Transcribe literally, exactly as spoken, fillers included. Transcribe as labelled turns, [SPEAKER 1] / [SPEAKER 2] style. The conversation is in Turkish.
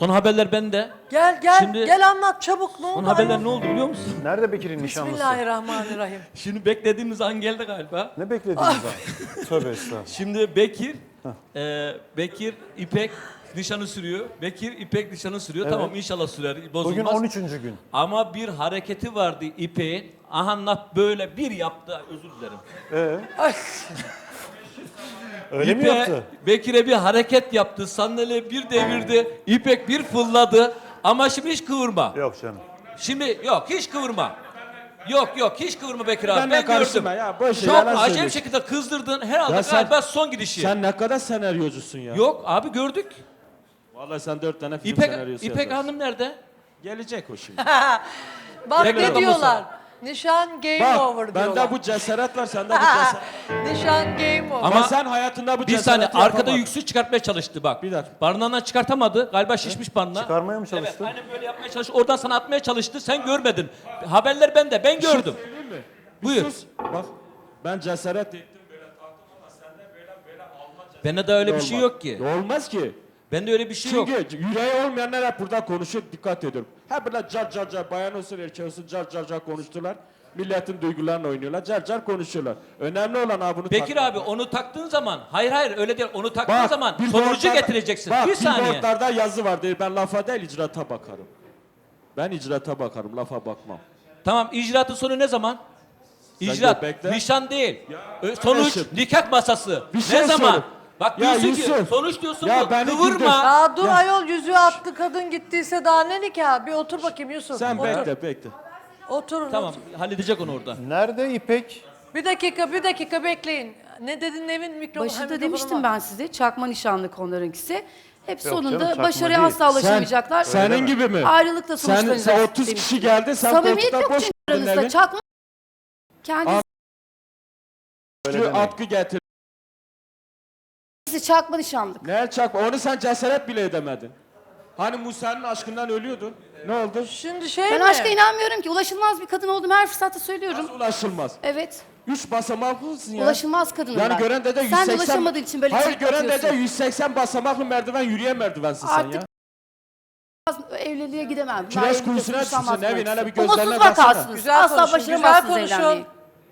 [SPEAKER 1] Son haberler bende.
[SPEAKER 2] Gel gel
[SPEAKER 1] Şimdi-
[SPEAKER 2] gel anlat çabuk ne oldu?
[SPEAKER 1] Son haberler
[SPEAKER 2] ayol?
[SPEAKER 1] ne oldu biliyor musun?
[SPEAKER 3] Nerede Bekir'in nişanlısı?
[SPEAKER 2] Bismillahirrahmanirrahim.
[SPEAKER 1] Şimdi beklediğimiz an geldi galiba.
[SPEAKER 3] Ne beklediğiniz an? Tövbe estağfurullah.
[SPEAKER 1] Şimdi Bekir, e, Bekir İpek nişanı sürüyor. Bekir İpek nişanı sürüyor.
[SPEAKER 3] Evet.
[SPEAKER 1] Tamam inşallah sürer, bozulmaz.
[SPEAKER 3] Bugün on üçüncü gün.
[SPEAKER 1] Ama bir hareketi vardı İpek'in. Aha böyle bir yaptı, özür dilerim.
[SPEAKER 3] Ee,
[SPEAKER 2] Ay,
[SPEAKER 3] öyle mi
[SPEAKER 1] İpek,
[SPEAKER 3] yaptı?
[SPEAKER 1] Bekir'e bir hareket yaptı. Sandalye bir devirdi. İpek bir fırladı. Ama şimdi hiç kıvırma.
[SPEAKER 3] Yok canım.
[SPEAKER 1] Şimdi yok hiç kıvırma. Yok yok hiç kıvırma Bekir abi.
[SPEAKER 4] Ben de
[SPEAKER 1] Ben, gördüm.
[SPEAKER 4] karışma ya, boş ver,
[SPEAKER 1] Çok
[SPEAKER 4] yalan
[SPEAKER 1] acayip
[SPEAKER 4] söylüyorsun.
[SPEAKER 1] şekilde kızdırdın. Herhalde
[SPEAKER 4] Ya sen-
[SPEAKER 1] galiba son gidişi.
[SPEAKER 4] Sen ne kadar senaryocusun ya.
[SPEAKER 1] Yok abi gördük.
[SPEAKER 4] Vallahi sen dört tane film
[SPEAKER 1] İpek,
[SPEAKER 4] senaryosu
[SPEAKER 1] İpek
[SPEAKER 4] yazarsın.
[SPEAKER 1] Hanım nerede?
[SPEAKER 4] Gelecek o şimdi.
[SPEAKER 2] bak
[SPEAKER 1] Tekrar
[SPEAKER 2] ne
[SPEAKER 1] adamı
[SPEAKER 2] diyorlar? Nişan game over
[SPEAKER 4] Bak
[SPEAKER 2] diyorlar.
[SPEAKER 4] bende bu cesaret var, sende bu cesaret.
[SPEAKER 2] Nişan game over.
[SPEAKER 1] Ama-
[SPEAKER 4] Ama sen hayatında bu
[SPEAKER 1] Bir
[SPEAKER 4] cesareti
[SPEAKER 1] saniye arkada
[SPEAKER 4] yapamadın.
[SPEAKER 1] yüksük çıkartmaya çalıştı bak.
[SPEAKER 4] Bir dakika.
[SPEAKER 1] Barınağından çıkartamadı. Galiba şişmiş barınağı.
[SPEAKER 3] Çıkarmaya mı çalıştı?
[SPEAKER 1] Evet aynen böyle yapmaya çalıştı. Oradan sana atmaya çalıştı. Sen görmedin. Haberler bende. Ben gördüm.
[SPEAKER 4] Söyleyeyim mi?
[SPEAKER 1] Buyur.
[SPEAKER 4] Sus. Bak ben cesaret ettim böyle taktım ama sende böyle böyle alma cesaret.
[SPEAKER 1] Bende de öyle bir şey
[SPEAKER 4] olmaz.
[SPEAKER 1] yok ki.
[SPEAKER 4] Olmaz ki.
[SPEAKER 1] Bende öyle bir şey yok.
[SPEAKER 4] Çünkü yüreği olmayanlar hep burada konuşuyor, dikkat ediyorum. Hep böyle car car car, bayan olsun erkek olsun car car car konuştular. Milletin duygularını oynuyorlar, car car konuşuyorlar. Önemli olan ha bunu
[SPEAKER 1] Bekir
[SPEAKER 4] takmak.
[SPEAKER 1] abi onu taktığın zaman, hayır hayır öyle değil. Onu taktığın
[SPEAKER 4] Bak,
[SPEAKER 1] zaman
[SPEAKER 4] billboardlarda-
[SPEAKER 1] sonucu getireceksin.
[SPEAKER 4] Bak,
[SPEAKER 1] bir saniye.
[SPEAKER 4] billboardlarda yazı var değil, ben lafa değil icraata bakarım. Ben icraata bakarım, lafa bakmam.
[SPEAKER 1] Tamam icraatın sonu ne zaman? İcraat,
[SPEAKER 4] bekle.
[SPEAKER 1] nişan değil. Ö- Sonuç,
[SPEAKER 4] Kardeşim,
[SPEAKER 1] nikah masası.
[SPEAKER 4] bir şey
[SPEAKER 1] ne zaman?
[SPEAKER 4] söyle.
[SPEAKER 1] Bak
[SPEAKER 4] Ya
[SPEAKER 1] diyorsun ki,
[SPEAKER 4] Yusuf,
[SPEAKER 1] sonuç diyorsun
[SPEAKER 4] ya
[SPEAKER 1] bu,
[SPEAKER 4] beni
[SPEAKER 1] kıvırma.
[SPEAKER 4] güldür.
[SPEAKER 2] Aa dur
[SPEAKER 4] Ya.
[SPEAKER 2] ayol yüzüğü attı kadın gittiyse daha ne nikah? Bir otur bakayım Yusuf.
[SPEAKER 4] Sen
[SPEAKER 2] otur.
[SPEAKER 4] bekle bekle.
[SPEAKER 2] Otur.
[SPEAKER 1] Tamam,
[SPEAKER 2] otur.
[SPEAKER 1] halledecek onu orada.
[SPEAKER 3] Nerede İpek?
[SPEAKER 2] Bir dakika bir dakika bekleyin. Ne dedin Nevin mikrofon?
[SPEAKER 5] Başında demiştim ben size çakma nişanlık onlarınkisi. Hep
[SPEAKER 3] canım,
[SPEAKER 5] sonunda
[SPEAKER 3] çakma
[SPEAKER 5] başarıya
[SPEAKER 3] değil.
[SPEAKER 5] asla ulaşamayacaklar.
[SPEAKER 4] Sen, senin gibi mi?
[SPEAKER 5] Ayrılıkla
[SPEAKER 4] Sen,
[SPEAKER 5] sonuçlanacak.
[SPEAKER 4] sen otuz kişi geldi, sen
[SPEAKER 5] Samimiyet
[SPEAKER 4] koltukta
[SPEAKER 5] yok
[SPEAKER 4] boş
[SPEAKER 5] çünkü
[SPEAKER 4] verdin
[SPEAKER 5] aranızda.
[SPEAKER 4] evi.
[SPEAKER 5] Çakma kendisi
[SPEAKER 4] Şu atkı getir.
[SPEAKER 5] çakma nişanlık.
[SPEAKER 4] Ne çak? Onu sen cesaret bile edemedin. Hani Musa'nın aşkından ölüyordun. Ne oldu?
[SPEAKER 2] Şimdi şey
[SPEAKER 5] Ben
[SPEAKER 2] mi?
[SPEAKER 5] aşka inanmıyorum ki. Ulaşılmaz bir kadın olduğumu her fırsatta söylüyorum.
[SPEAKER 4] Nasıl ulaşılmaz?
[SPEAKER 5] Evet.
[SPEAKER 4] Üç basamaklısın ya.
[SPEAKER 5] Ulaşılmaz kadınım
[SPEAKER 4] Yani
[SPEAKER 5] ben.
[SPEAKER 4] gören de yüz
[SPEAKER 5] Sen
[SPEAKER 4] seksen...
[SPEAKER 5] de ulaşamadığın için böyle
[SPEAKER 4] Hayır
[SPEAKER 5] trip
[SPEAKER 4] gören de
[SPEAKER 5] atıyorsun.
[SPEAKER 4] yüz seksen basamaklı merdiven yürüyen merdivensin sen
[SPEAKER 5] Artık
[SPEAKER 4] ya.
[SPEAKER 5] Evliliğe gidemem.
[SPEAKER 4] Kireç
[SPEAKER 5] Evlilikle
[SPEAKER 4] kuyusuna
[SPEAKER 5] sonuçlanmaz
[SPEAKER 4] düşsün Nevin,
[SPEAKER 5] belki.
[SPEAKER 4] hele bir gözlerine
[SPEAKER 5] Umutsuz
[SPEAKER 4] baksana.
[SPEAKER 5] vakarsınız.
[SPEAKER 2] Güzel
[SPEAKER 5] Asla
[SPEAKER 2] konuşun, güzel
[SPEAKER 5] başaramazsınız
[SPEAKER 2] konuşun.
[SPEAKER 5] evlenmeyi.